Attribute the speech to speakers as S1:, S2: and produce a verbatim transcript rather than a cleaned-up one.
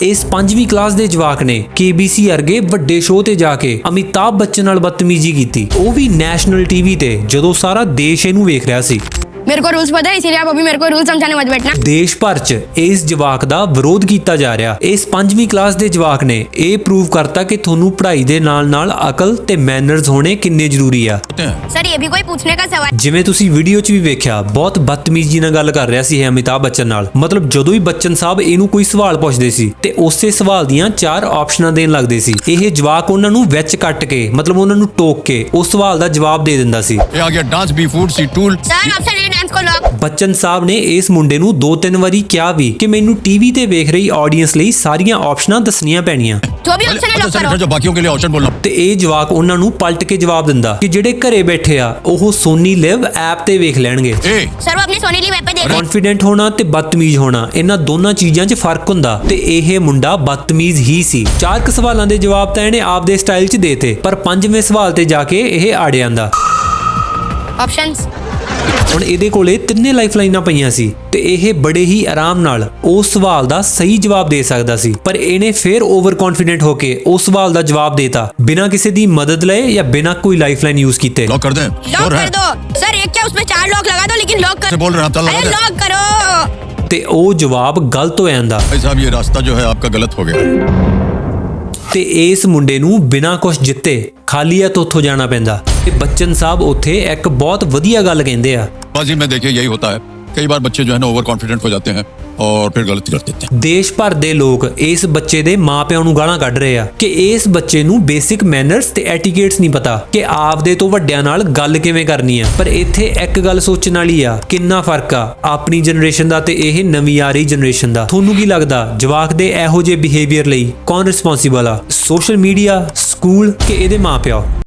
S1: ਇਸ ਪੰਜਵੀਂ ਕਲਾਸ ਦੇ ਜਵਾਕ ਨੇ ਕੇਬੀਸੀ ਵਰਗੇ ਵੱਡੇ ਸ਼ੋਅ ਤੇ ਜਾ ਕੇ ਅਮਿਤਾਭ ਬੱਚਨ ਨਾਲ ਬਦਤਮੀਜ਼ੀ ਕੀਤੀ, ਉਹ ਵੀ ਨੈਸ਼ਨਲ ਟੀਵੀ ਤੇ, ਜਦੋਂ ਸਾਰਾ ਦੇਸ਼ ਇਹਨੂੰ ਵੇਖ ਰਿਹਾ ਸੀ।
S2: मेरे को रूल्स पता है, इसीलिए आप अभी मेरे को रूल समझाने मत बैठना।
S1: ਦੇਸ਼ ਭਰ 'ਚ ਇਸ ਜਵਾਕ ਦਾ ਵਿਰੋਧ ਕੀਤਾ ਜਾ ਰਿਹਾ। ਇਸ ਪੰਜਵੀਂ ਕਲਾਸ ਦੇ ਜਵਾਕ ਨੇ ਇਹ ਪ੍ਰੂਵ ਕਰਤਾ ਕਿ ਤੁਹਾਨੂੰ ਪੜ੍ਹਾਈ ਦੇ ਨਾਲ-ਨਾਲ ਅਕਲ ਤੇ ਮੈਨਰਸ ਹੋਣੇ ਕਿੰਨੇ ਜ਼ਰੂਰੀ ਆ।
S2: सर ये भी कोई पूछने का सवाल।
S1: ਜਿਵੇਂ ਤੁਸੀਂ ਵੀਡੀਓ 'ਚ ਵੀ ਵੇਖਿਆ, ਬਹੁਤ ਬਦਤਮੀਜ਼ੀ ਨਾਲ ਗੱਲ ਕਰ ਰਿਹਾ ਸੀ ਇਹ ਅਮਿਤਾਭ ਬੱਚਨ ਨਾਲ। ਮਤਲਬ ਜਦੋਂ ਹੀ ਬੱਚਨ ਸਾਹਿਬ ਇਹਨੂੰ ਕੋਈ ਸਵਾਲ ਪੁੱਛਦੇ ਸੀ ਤੇ ਉਸੇ ਸਵਾਲ ਦੀਆਂ ਚਾਰ ਆਪਸ਼ਨਾਂ ਦੇਣ ਲੱਗਦੇ ਸੀ। ਇਹ ਜਵਾਕ ਉਹਨਾਂ ਨੂੰ ਵਿੱਚ ਕੱਟ ਕੇ, ਮਤਲਬ ਉਹਨਾਂ ਨੂੰ ਟੋਕ ਕੇ ਉਸ ਸਵਾਲ ਦਾ ਜਵਾਬ ਦੇ ਦਿੰਦਾ ਸੀ।
S3: ਇਹ ਆ ਗਿਆ ਡਾਂਸ ਬੀ ਫੂਡ ਸੀ ਟੂਲ।
S2: सर ऑप्शन ए डांस को लॉक।
S1: ਬੱਚਨ ਸਾਹਿਬ ਨੇ ਇਸ ਮੁੰਡੇ ਨੂੰ ਦੋ ਤਿੰਨ ਵਾਰੀ ਕਿਹਾ ਵੀ ਕਿ ਮੈਨੂੰ ਟੀਵੀ ਤੇ ਵੇਖ ਰਹੀ ਆਡੀਅנס ਲਈ ਸਾਰੀਆਂ ਆਪਸ਼ਨਾਂ ਦੱਸਣੀਆਂ ਪੈਣੀਆਂ,
S2: जो भी ऑप्शन है लॉक करो।
S3: जो बाकियों के लिए ऑप्शन बोलना।
S1: ਤੇ ਇਹ ਜਵਾਕ ਉਹਨਾਂ ਨੂੰ ਪਲਟ ਕੇ ਜਵਾਬ ਦਿੰਦਾ ਕਿ ਜਿਹੜੇ ਘਰੇ ਬੈਠੇ ਆ ਉਹ ਸੋਨੀ ਲਿਵ ਐਪ ਤੇ ਵੇਖ ਲੈਣਗੇ।
S3: ए
S2: सर वो अपनी सोनी ली वेब पे देख।
S1: ਕੌਨਫੀਡੈਂਟ ਹੋਣਾ ਤੇ ਬਦਤਮੀਜ਼ ਹੋਣਾ, ਇਹਨਾਂ ਦੋਨਾਂ ਚੀਜ਼ਾਂ 'ਚ ਫਰਕ ਹੁੰਦਾ ਤੇ ਇਹ ਮੁੰਡਾ ਬਦਤਮੀਜ਼ ਹੀ ਸੀ। ਚਾਰ ਕੁ ਸਵਾਲਾਂ ਦੇ ਜਵਾਬ ਤਾਂ ਇਹਨੇ ਆਪਦੇ ਸਟਾਈਲ 'ਚ ਦੇਤੇ, ਪਰ ਪੰਜਵੇਂ ਸਵਾਲ ਤੇ ਜਾ ਕੇ ਇਹ ਅੜ ਜਾਂਦਾ।
S2: ऑप्शंस।
S1: ਹੁਣ ਇਹਦੇ ਕੋਲੇ ਤਿੰਨੇ ਲਾਈਫਲਾਈਨਾਂ ਪਈਆਂ ਸੀ ਤੇ ਇਹ ਬੜੇ ਹੀ ਆਰਾਮ ਨਾਲ ਉਸ ਸਵਾਲ ਦਾ ਸਹੀ ਜਵਾਬ ਦੇ ਸਕਦਾ ਸੀ, ਪਰ ਇਹਨੇ ਫੇਰ ਓਵਰ ਕੌਨਫੀਡੈਂਟ ਹੋ ਕੇ ਉਸ ਸਵਾਲ ਦਾ ਜਵਾਬ ਦੇਤਾ ਬਿਨਾਂ ਕਿਸੇ ਦੀ ਮਦਦ ਲਏ ਜਾਂ ਬਿਨਾਂ ਕੋਈ ਲਾਈਫਲਾਈਨ ਯੂਜ਼ ਕੀਤੇ।
S3: लॉक कर दें।
S2: लॉक
S3: श्योर है?
S2: कर दो सर, एक क्या उसमें चार लॉक लगा दो, लेकिन लॉक कर।
S3: से बोल रहे हैं आप, चल लगा
S2: अरे
S3: दें।
S2: लॉक करो।
S1: ਤੇ ਉਹ ਜਵਾਬ ਗਲਤ ਹੋ ਜਾਂਦਾ
S3: भाई साहब ये रास्ता जो है आपका गलत हो गया।
S1: ਤੇ ਇਸ ਮੁੰਡੇ ਨੂੰ ਬਿਨਾਂ ਕੁਝ ਜਿੱਤੇ ਖਾਲੀ ਹੱਥ ਉੱਥੋਂ ਜਾਣਾ ਪੈਂਦਾ। ਤੇ ਬੱਚਨ ਸਾਹਿਬ ਉੱਥੇ ਇੱਕ ਬਹੁਤ ਵਧੀਆ ਗੱਲ ਕਹਿੰਦੇ ਆ।
S3: बाजी में देखिए यही होता है, कई बार बच्चे जो है ना ओवर कॉन्फिडेंट हो जाते हैं और फिर गलती कर देते हैं।
S1: ਦੇਸ਼ ਭਰ ਦੇ ਲੋਕ ਇਸ ਬੱਚੇ ਦੇ ਮਾਪਿਆਂ ਨੂੰ ਗਾਲਾਂ ਕੱਢ ਰਹੇ ਆ ਕਿ ਇਸ ਬੱਚੇ ਨੂੰ ਬੇਸਿਕ ਮੈਨਰਸ ਤੇ ਐਟੀਕੇਟਸ ਨਹੀਂ ਪਤਾ ਕਿ ਆਪਦੇ ਤੋਂ ਵੱਡਿਆਂ ਨਾਲ ਗੱਲ ਕਿਵੇਂ ਕਰਨੀ ਆ। ਪਰ ਇੱਥੇ ਇੱਕ ਗੱਲ ਸੋਚਣ ਵਾਲੀ ਆ, ਕਿੰਨਾ ਫਰਕ ਆ ਆਪਣੀ ਜਨਰੇਸ਼ਨ ਦਾ ਤੇ ਇਹ ਨਵੀਂ ਆ ਰਹੀ ਜਨਰੇਸ਼ਨ ਦਾ। ਤੁਹਾਨੂੰ ਕੀ ਲੱਗਦਾ ਜਵਾਕ ਦੇ ਇਹੋ ਜਿਹੇ ਬਿਹੇਵੀਅਰ ਲਈ ਕੌਣ ਰਿਸਪੌਂਸੀਬਲ ਆ? ਸੋਸ਼ਲ ਮੀਡੀਆ, ਸਕੂਲ ਕਿ ਇਹਦੇ ਮਾਪਿਆਂ?